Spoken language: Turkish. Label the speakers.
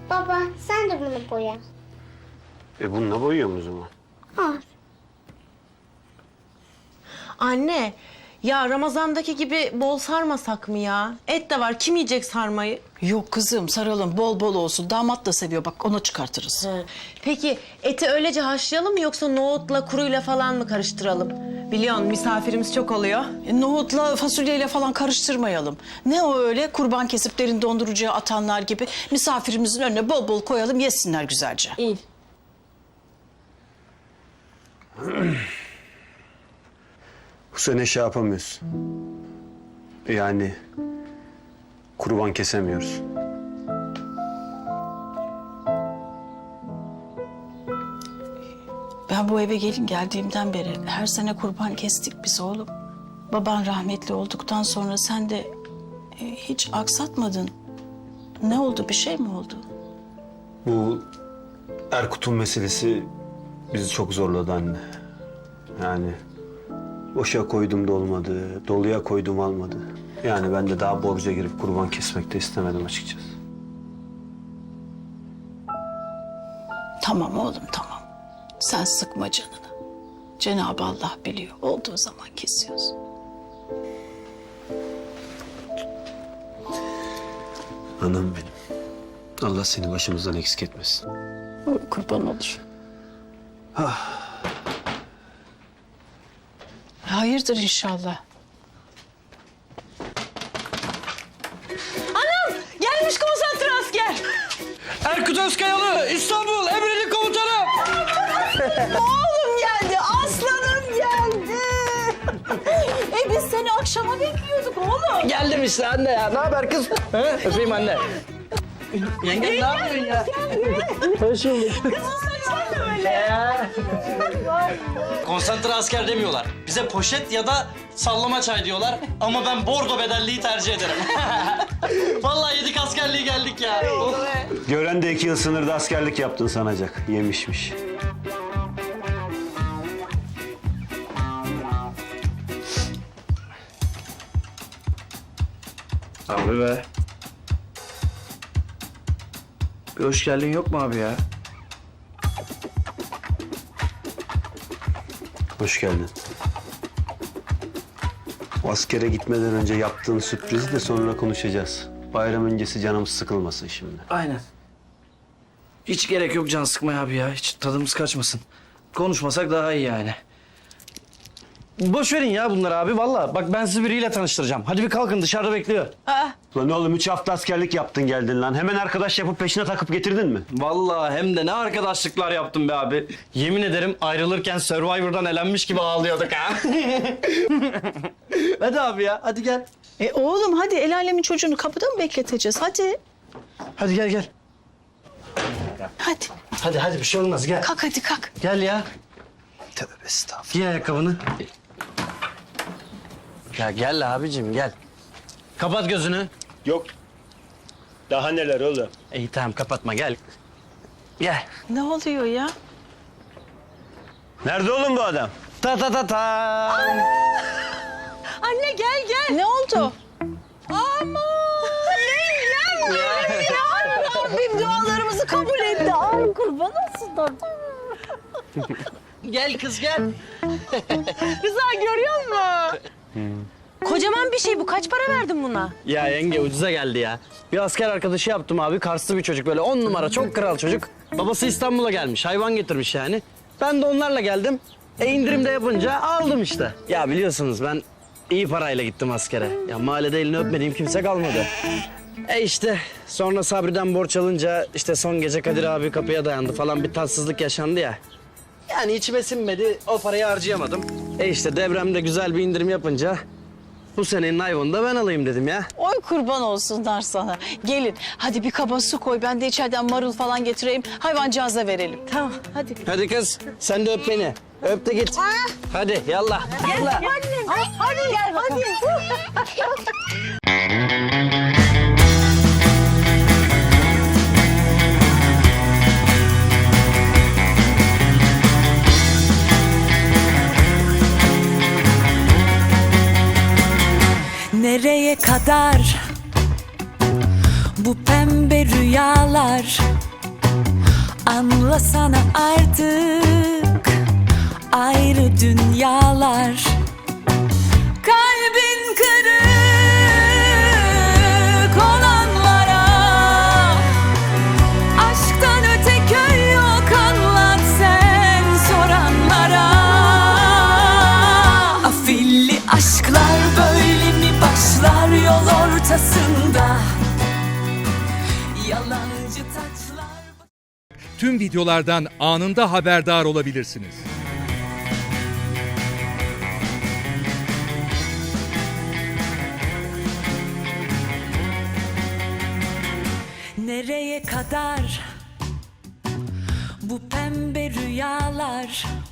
Speaker 1: Baba sen de bunu boya.
Speaker 2: Bununla boyuyor o zaman?
Speaker 1: Al.
Speaker 3: Anne, ya Ramazan'daki gibi bol sarmasak mı ya? Et de var, kim yiyecek sarmayı?
Speaker 4: Yok kızım saralım bol bol olsun. Damat da seviyor bak ona çıkartırız.
Speaker 3: Peki eti öylece haşlayalım mı yoksa nohutla kuruyla falan mı karıştıralım? Biliyorsun misafirimiz çok oluyor.
Speaker 4: Nohutla fasulyeyle falan karıştırmayalım. Ne o öyle kurban kesip derin dondurucuya atanlar gibi misafirimizin önüne bol bol koyalım yesinler güzelce.
Speaker 3: İyi.
Speaker 2: Bu sene şey yapamıyoruz. Yani kurban kesemiyoruz.
Speaker 4: Ben bu eve gelin geldiğimden beri her sene kurban kestik biz oğlum. Baban rahmetli olduktan sonra sen de hiç aksatmadın. Ne oldu bir şey mi oldu?
Speaker 2: Bu Erkut'un meselesi bizi çok zorladı anne. Yani boşa koydum da olmadı, doluya koydum almadı. Yani ben de daha borca girip kurban kesmek de istemedim açıkçası.
Speaker 4: Tamam oğlum tamam. Sen sıkma canını. Cenab-ı Allah biliyor. Olduğu zaman kesiyoruz.
Speaker 2: Anam benim. Allah seni başımızdan eksik etmesin.
Speaker 4: Kurban olur. Hayırdır inşallah.
Speaker 3: Gelmiş konsantre asker.
Speaker 5: Erkut Özkayalı, İstanbul Emredin Komutanım.
Speaker 4: Oğlum geldi, aslanım geldi. Biz seni akşama bekliyorduk oğlum.
Speaker 5: Geldim işte anne ya. Ne haber kız? He? Öpeyim anne. Yenge ne yapıyorsun ya? Hoş bulduk. Konsantre asker demiyorlar. Bize poşet ya da sallama çay diyorlar. Ama ben bordo bedelliği tercih ederim. Vallahi yedik askerliği geldik ya.
Speaker 2: Gören de 2 yıl sınırda askerlik yaptın sanacak. Yemişmiş.
Speaker 5: Abi be. Bir hoş geldin yok mu abi ya?
Speaker 2: Hoş geldin. O askere gitmeden önce yaptığın sürprizi de sonra konuşacağız. Bayram öncesi canımız sıkılmasın şimdi.
Speaker 5: Aynen. Hiç gerek yok can sıkmaya abi ya. Hiç tadımız kaçmasın. Konuşmasak daha iyi yani. Boş verin ya bunları abi vallahi. Bak ben sizi biriyle tanıştıracağım. Hadi bir kalkın dışarıda bekliyor.
Speaker 2: Lan oğlum 3 hafta askerlik yaptın geldin lan. Hemen arkadaş yapıp peşine takıp getirdin mi?
Speaker 5: Vallahi hem de ne arkadaşlıklar yaptım be abi. Yemin ederim ayrılırken Survivor'dan elenmiş gibi ağlıyorduk ha. Hadi abi ya hadi gel.
Speaker 4: Oğlum hadi el alemin çocuğunu kapıda mı bekleteceğiz? Hadi.
Speaker 5: Hadi gel gel.
Speaker 4: Hadi.
Speaker 5: Hadi bir şey olmaz gel.
Speaker 4: Kalk hadi kalk.
Speaker 5: Gel ya. Tövbe estağfurullah. Giy ayakkabını. Ya gel abicim gel. Kapat gözünü.
Speaker 2: Yok. Daha neler oğlum?
Speaker 5: İyi tamam kapatma gel. Gel.
Speaker 4: Ne oluyor ya?
Speaker 2: Nerede oğlum bu adam?
Speaker 5: Ta ta ta ta.
Speaker 3: Anne gel gel.
Speaker 4: Ne oldu?
Speaker 3: Rabbim dualarımızı kabul etti. Ay kurban olsunlar.
Speaker 5: Gel kız gel.
Speaker 3: Rıza görüyor musun? Kocaman bir şey bu. Kaç para verdin buna?
Speaker 5: Ya yenge ucuza geldi ya. Bir asker arkadaşı yaptım abi. Karslı bir çocuk böyle 10 numara çok kral çocuk. Babası İstanbul'a gelmiş. Hayvan getirmiş yani. Ben de onlarla geldim. İndirimde yapınca aldım işte. Ya biliyorsunuz ben iyi parayla gittim askere. Ya mahallede elini öpmediğim kimse kalmadı. İşte sonra Sabri'den borç alınca işte son gece Kadir abi kapıya dayandı falan bir tatsızlık yaşandı ya. Yani içime sinmedi o parayı harcayamadım. İşte devremde güzel bir indirim yapınca bu senenin ayvanını da ben alayım dedim ya.
Speaker 4: Oy kurban olsunlar sana. Gelin hadi bir kaba su koy. Ben de içeriden marul falan getireyim. Hayvancağıza verelim. Tamam hadi.
Speaker 5: Hadi kız sen de öp beni. Öp de git. Hadi yallah. Yallah.
Speaker 4: Hadi gel bakalım.
Speaker 6: Nereye kadar bu pembe pembe rüyalar. Anlasana artık ayrı dünyalar. Kalbin kırık olanlara aşktan öte köy yok, anlat sen soranlara. Afilli aşklar böyle mi başlar yol ortasında? Yalancı taçlar.
Speaker 7: Tüm videolardan anında haberdar olabilirsiniz.
Speaker 6: Nereye kadar bu pembe rüyalar?